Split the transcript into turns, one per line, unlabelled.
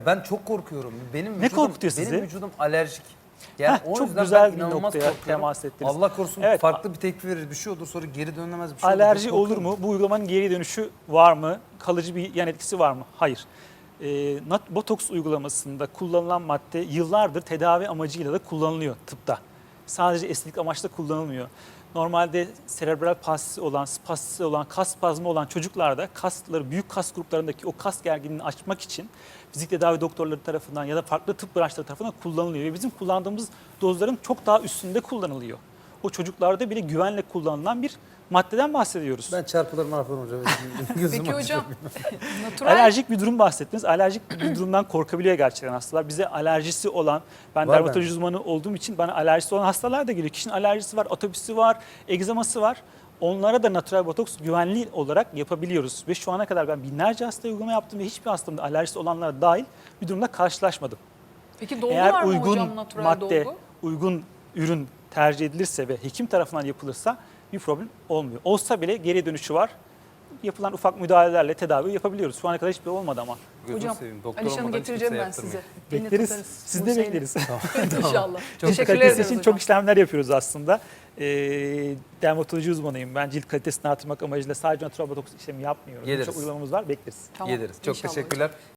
Ben çok korkuyorum.
Ne korkutuyor sizi?
Benim vücudum alerjik. Yani o
çok
yüzden
güzel
ben
bir
inanılmaz
noktaya
korkuyorum.
temas ettiniz.
Allah korusun
Evet.
farklı bir tepki verir, bir şey olur, sonra geri dönülemez bir şey olur.
Alerji
Çok
olur
korkuyorum.
mu? Bu uygulamanın geri dönüşü var mı? Kalıcı bir yan etkisi var mı? Hayır. Botoks uygulamasında kullanılan madde yıllardır tedavi amacıyla da kullanılıyor tıpta. Sadece estetik amaçla kullanılmıyor. Normalde serebral palsisi olan, spastisi olan, kas spazmı olan çocuklarda kasları, büyük kas gruplarındaki o kas gerginliğini açmak için fizik tedavi doktorları tarafından ya da farklı tıp branşları tarafından kullanılıyor. Ve bizim kullandığımız dozların çok daha üstünde kullanılıyor. O çocuklarda bile güvenle kullanılan bir maddeden bahsediyoruz.
Ben çarpılır mahvolur hocam. Gözüm
Peki
açıyor.
hocam, natural
Alerjik bir durum bahsettiniz. Alerjik bir durumdan korkabiliyor gerçekten hastalar. Bize alerjisi olan, ben
Var
dermatoloji
bende.
uzmanı olduğum için bana alerjisi olan hastalar da geliyor. Kişinin alerjisi var, atopisi var, egzaması var. Onlara da natural botoks güvenli olarak yapabiliyoruz. Ve şu ana kadar ben binlerce hastaya uygulama yaptım ve hiçbir hastamda alerjisi olanlara dahil bir durumda karşılaşmadım.
Peki dolgu
Eğer
var mı
uygun
hocam, natural
madde,
dolgu?
uygun ürün tercih edilirse ve hekim tarafından yapılırsa bir problem olmuyor. Olsa bile geri dönüşü var. Yapılan ufak müdahalelerle tedavi yapabiliyoruz. Şu ana kadar hiçbir olmadı ama.
Gözünü
Hocam,
seveyim. Doktor
Alişan'ı
olmadan hiç
getireceğim
kimseye
ben size.
yaptırmayın.
Beni
Bekleriz.
tutarız.
Siz de
Buse'yle.
bekleriz.
İnşallah.
Çok
Teşekkür
kalitesi
ederiz
için
hocam.
çok işlemler yapıyoruz aslında. Dermatoloji uzmanıyım. Ben cilt kalitesini artırmak amacıyla sadece natural botoks işlemi yapmıyorum.
Geliriz.
Çok uygulamamız var. Bekleriz.
Tamam,
Geliriz. Çok
inşallah.
teşekkürler.